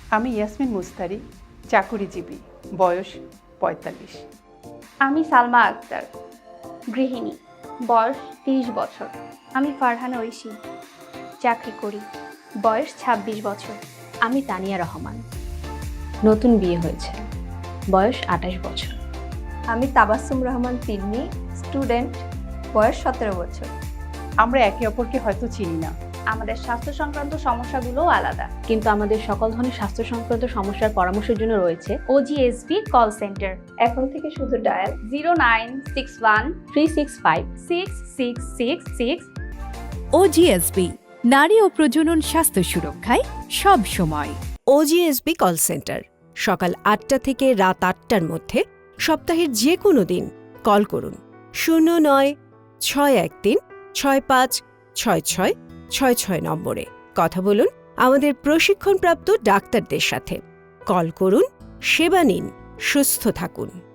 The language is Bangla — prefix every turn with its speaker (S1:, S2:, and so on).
S1: আমি ইয়াসমিন মুস্তারি, চাকুরিজীবী, বয়স ৪৫।
S2: আমি সালমা আক্তার, গৃহিণী, বয়স ৩০ বছর।
S3: আমি ফারহানা ঐশী, চাকরি করি, বয়স ২৬ বছর।
S4: আমি তানিয়া রহমান, নতুন বিয়ে হয়েছে, বয়স ২৮ বছর।
S5: আমি তাবাসসুম রহমান তিন্নি, স্টুডেন্ট, বয়স ১৭ বছর।
S1: আমরা একে অপরকে হয়তো চিনি না,
S2: আমাদের স্বাস্থ্য সংক্রান্ত সমস্যাগুলোও আলাদা।
S4: কিন্তু আমাদের সকল ধরনের স্বাস্থ্য সংক্রান্ত সমস্যার পরামর্শের জন্য রয়েছে
S3: OGSB কল সেন্টার।
S5: এখন থেকে শুধু ডায়াল
S2: 0961
S4: 365
S3: 6666।
S6: ওজিএসবি, নারী ও প্রজনন স্বাস্থ্য সুরক্ষায় সব সময়।
S7: ওজিএসবি কল সেন্টার, সকাল ৮টা থেকে রাত ৮টার মধ্যে, সপ্তাহের যে কোনো দিন। কল করুন 09-613-656666 নম্বরে। কথা বলুন আমাদের প্রশিক্ষণপ্রাপ্ত ডাক্তারদের সাথে। কল করুন, সেবা নিন, সুস্থ থাকুন।